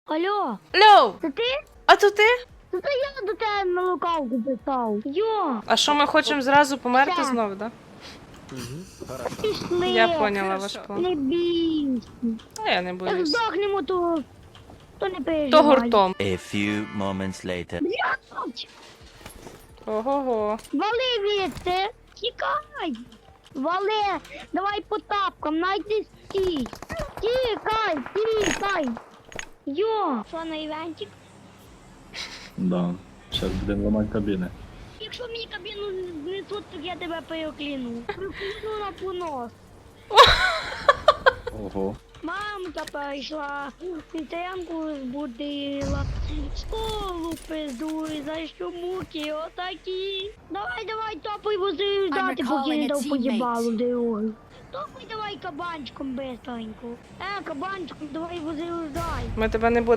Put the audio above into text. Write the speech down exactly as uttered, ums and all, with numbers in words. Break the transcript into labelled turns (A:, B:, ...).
A: Алло,
B: Льоу!
A: це ти?
B: А то ти?
A: Це я до тебе на лукавку писав. Йо,
B: А що ми хочемо зразу померти
A: Все.
B: знов, да?
A: пішли.
B: Я поняла ваш план.
A: Не бійся.
B: А я не
A: Як
B: боюсь.
A: здохнемо, то, то не переживай.
B: То гуртом.
C: A few moments later.
A: Блядь,
B: Ого-го.
A: вали звідси. Тікай. Вали, давай по тапкам, найди стій. Тікай, тікай. Йо, що на івентик?
D: Да. Зараз будемо ламати кабіни.
A: Якщо мені кабіну знесуть, то я тебе перекляну. Прикину на понос.
D: Ого.
A: Мамка прийшла, вітрянку збудила, школу пиздуй, за що муки отакі. Давай, давай, топай вози ждати, поки не дав поїбалу дорогу. Топай давай кабанчиком бистренько. Е, кабанчиком, давай вози ждай.
B: Ми тебе не будемо.